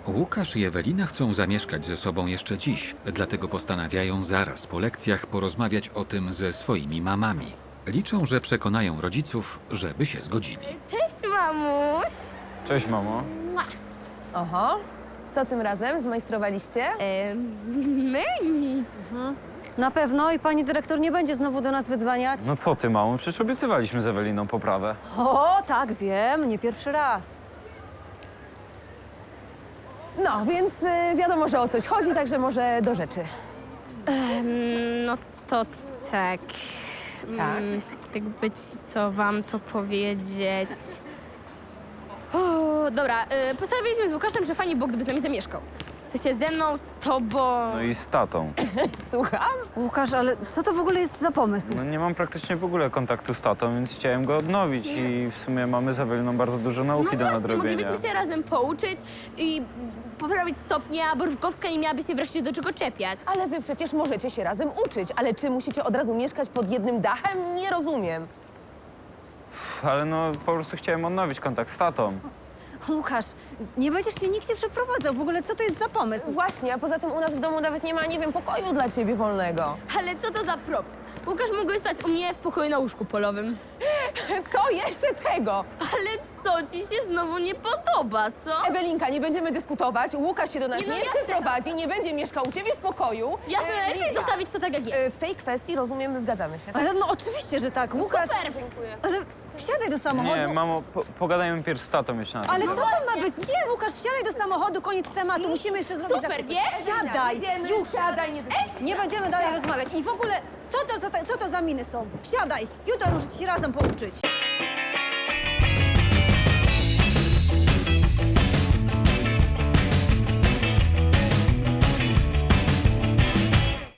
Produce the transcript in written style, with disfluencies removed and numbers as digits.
Łukasz i Ewelina chcą zamieszkać ze sobą jeszcze dziś, dlatego postanawiają zaraz po lekcjach porozmawiać o tym ze swoimi mamami. Liczą, że przekonają rodziców, żeby się zgodzili. Cześć, mamuś! Cześć, mamo. Oho. Co tym razem zmajstrowaliście? My nic. Na pewno i pani dyrektor nie będzie znowu do nas wydzwaniać. No co ty, mamo? Przecież obiecywaliśmy z Eweliną poprawę. O, tak, wiem, nie pierwszy raz. No, więc wiadomo, że o coś chodzi, także może do rzeczy. No to tak. Tak? Jakby ci to wam to powiedzieć. O, dobra, postanowiliśmy z Łukaszem, że fajnie było, gdyby z nami zamieszkał. W sensie ze mną, z tobą. No i z tatą. Słucham? Łukasz, ale co to w ogóle jest za pomysł? No nie mam praktycznie w ogóle kontaktu z tatą, więc chciałem go odnowić i w sumie mamy z Eweliną bardzo dużo nauki do właśnie, nadrobienia. moglibyśmy się razem pouczyć i poprawić stopnie, a Borówkowska nie miałaby się wreszcie do czego czepiać. Ale wy przecież możecie się razem uczyć, ale czy musicie od razu mieszkać pod jednym dachem? Nie rozumiem. Ale no po prostu chciałem odnowić kontakt z tatą. Łukasz, nie będziesz się nigdzie przeprowadzał. W ogóle co to jest za pomysł? Właśnie, a poza tym u nas w domu nawet nie ma, nie wiem, pokoju dla ciebie wolnego. Ale co to za problem? Łukasz mógłby spać u mnie w pokoju na łóżku polowym. Co? Jeszcze czego? Ale co ci się znowu nie podoba, co? Ewelinka, nie będziemy dyskutować, Łukasz się do nas Nie, no nie jasne. przyprowadzi, nie będzie mieszkał u ciebie w pokoju. Jasne, lepiej Lidia, zostawić to tak, jak jest. w tej kwestii, rozumiem, zgadzamy się, tak? Ale no oczywiście, że tak, Łukasz. Super! Dziękuję. Ale wsiadaj do samochodu. Nie, mamo, pogadajmy pierw z tatą jeszcze na ten Ale temat. co to ma właśnie. być? Nie, Łukasz, wsiadaj do samochodu, koniec tematu. Musimy jeszcze zrobić Super, zakupy. wiesz? Siadaj, Jedziemy, już. siadaj, nie Nie będziemy dalej rozmawiać. I w ogóle, co to za miny są? Wsiadaj, jutro możecie się razem pouczyć.